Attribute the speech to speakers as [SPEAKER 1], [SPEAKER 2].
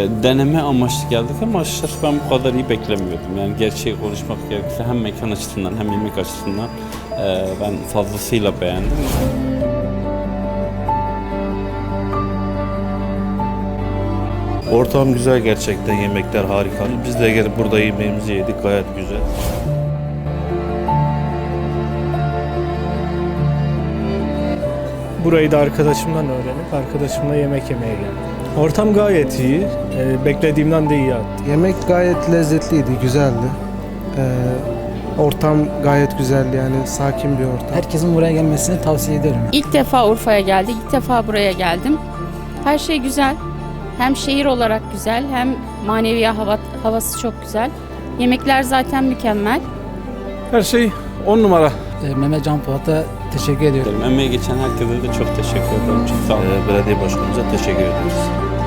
[SPEAKER 1] Deneme amaçlı geldik ama açıkçası ben bu kadar iyi beklemiyordum. Yani gerçeği konuşmak gerekirse hem mekan açısından hem yemek açısından ben fazlasıyla beğendim.
[SPEAKER 2] Ortam güzel gerçekten, yemekler harika. Biz de gelip burada yemeğimizi yedik, gayet güzel.
[SPEAKER 3] Burayı da arkadaşımdan öğrenip arkadaşımla yemek yemeye geldim. Ortam gayet iyi. Beklediğimden de iyi hatta.
[SPEAKER 4] Yemek gayet lezzetliydi, güzeldi. Ortam gayet güzeldi, yani sakin bir ortam.
[SPEAKER 5] Herkesin buraya gelmesini tavsiye ederim.
[SPEAKER 6] İlk defa Urfa'ya geldik, ilk defa buraya geldim. Her şey güzel. Hem şehir olarak güzel, hem manevi havası çok güzel. Yemekler zaten mükemmel.
[SPEAKER 7] Her şey 10 numara.
[SPEAKER 5] Mehmet Can Polat'a teşekkür ediyorum.
[SPEAKER 1] Emeği geçen herkese de çok teşekkür ederim. Çok sağ olun.
[SPEAKER 2] Belediye başkanımıza teşekkür ederiz.